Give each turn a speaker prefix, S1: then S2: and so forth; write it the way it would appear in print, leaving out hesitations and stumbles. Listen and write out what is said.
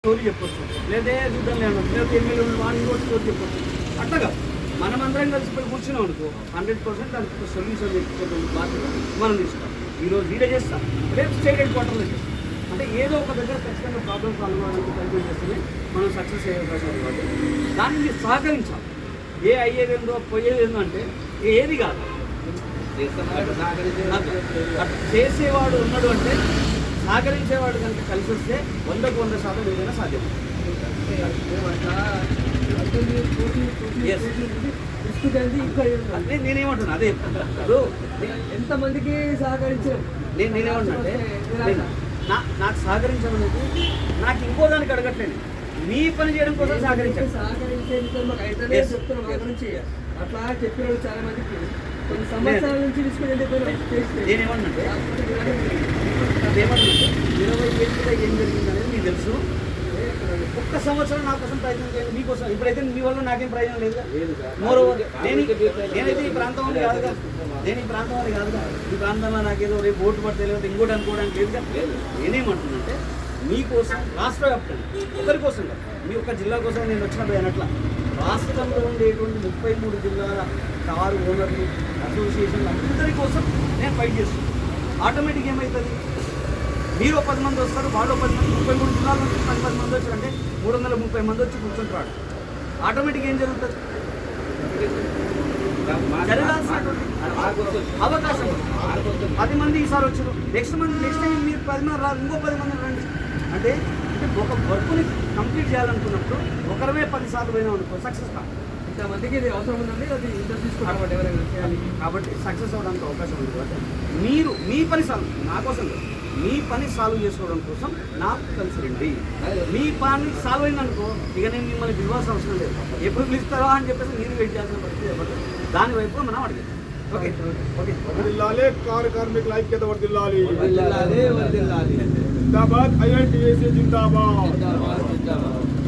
S1: Story చెప్పొచ్చు, లేదా చూద్దాం లేదు, లేదా ఎమ్మెల్యే వాళ్ళు ఇంకోటి స్టోరీ చెప్పొచ్చు. అట్లాగా మనమందరం కలిసిపోయి కూర్చున్నాం అనుకో 100% దానికి సొల్యూషన్ తెచ్చుకోవడం బాధ్యత మనం తీసుకోవాలి. ఈరోజు వీడే చేస్తాం, రేపు స్టేట్ హెడ్ క్వార్టర్లో చేస్తాం. అంటే ఏదో ఒక దగ్గర ఖచ్చితంగా ప్రాబ్లమ్ సాల్వ్ అవ్వడానికి ప్రయత్నం చేస్తేనే మనం సక్సెస్ అయ్యే అవకాశం ఉంది. కాబట్టి దాన్ని మీరు సహకరించాలి. ఏ అయ్యేదేందో పోయేదేందో అంటే ఏది కాదు. చేసేవాడు ఉన్నాడు అంటే సహకరించేవాడు కనుక కలిసి వస్తే 100% ఏదైనా సాధ్యం. అదే నేనేమంటున్నా, అదే ఇప్పుడు
S2: ఎంతమందికి సహకరించారు.
S1: నేనేమంటున్నా అంటే నాకు సహకరించమనేది నాకు ఇంకో దానికి అడగట్లేదు, మీ పని చేయడం కోసం సహకరించాను.
S2: అట్లా చెప్పిన చాలా మందికి కొన్ని సంవత్సరాల నుంచి తీసుకుని
S1: నేనేమన్నంటే అదేమన్నంటే 20 ఏళ్ళుగా ఏం జరిగిందనేది మీకు తెలుసు. ఒక్క సంవత్సరం నా కోసం ప్రయత్నం చేయండి, మీకోసం. ఇప్పుడైతే మీ వల్ల నాకేం ప్రయోజనం లేదుగా. మోరోవర్ నేనైతే ఈ ప్రాంతం వాళ్ళు కాదుగా, నేను ఈ ప్రాంతం వాళ్ళు కాదుగా. ఈ ప్రాంతంలో నాకేదో రేపు ఓటు పడితే లేదా ఇంకోటి అనుకోవడానికి లేదుగా. నేనేమంటున్నానంటే మీకోసం రాష్ట్ర వ్యాప్తంగా ఒకరి కోసం కాదు, మీ ఒక్క జిల్లా కోసం నేను వచ్చినప్పుడు అయినట్ల రాష్ట్రంలో ఉండేటువంటి 33 జిల్లాల కారు ఓనర్లు అసోసియేషన్లు అందరి కోసం నేను ఫైట్ చేస్తున్నాను. ఆటోమేటిక్ ఏమవుతుంది, మీరు 10 మంది వస్తారు, వాళ్ళు 10 మంది, 33 జిల్లాల నుంచి 10 మంది వచ్చారంటే 330 మంది వచ్చి కూర్చుంటారు. ఆటోమేటిక్ ఏం జరుగుతుంది, జరగాల్సినటువంటి అవకాశం 10 మంది ఈసారి వచ్చారు, నెక్స్ట్ టైం మీరు 10 మంది రాదు, ఇంకో 10 మంది రండి. అంటే ఒక వర్క్ని కంప్లీట్ చేయాలనుకున్నప్పుడు ఒకరమే 10 సార్లు పోయినాం అనుకో సక్సెస్ కాదు.
S2: ఇంతమందికి ఇది అవసరం ఉందండి, అది ఇంటర్ తీసుకోవాలి ఎవరైనా చేయాలి.
S1: కాబట్టి సక్సెస్ అవ్వడానికి అవకాశం ఉంది. కాబట్టి మీరు మీ పని సాల్వ్, నా కోసం మీ పని సాల్వ్ చేసుకోవడం కోసం నాకు కలిసి రండి. మీ పని సాల్వ్ అయిందనుకో ఇక నేను మిమ్మల్ని పిలవాల్సిన అవసరం లేదు. ఎప్పుడు పిలుస్తారా అని చెప్పేసి మీరు వెయిట్ చేయాల్సిన పరిస్థితి ఎవరు. దాని వైపు మనం అడిగాం. Okay okay.
S3: కార్మికుల ఐక్యత వర్ధిల్లాలి.
S2: వర్ధిల్లాలి.
S3: జిందాబాద్. IITAC జిందాబాద్.
S2: జిందాబాద్.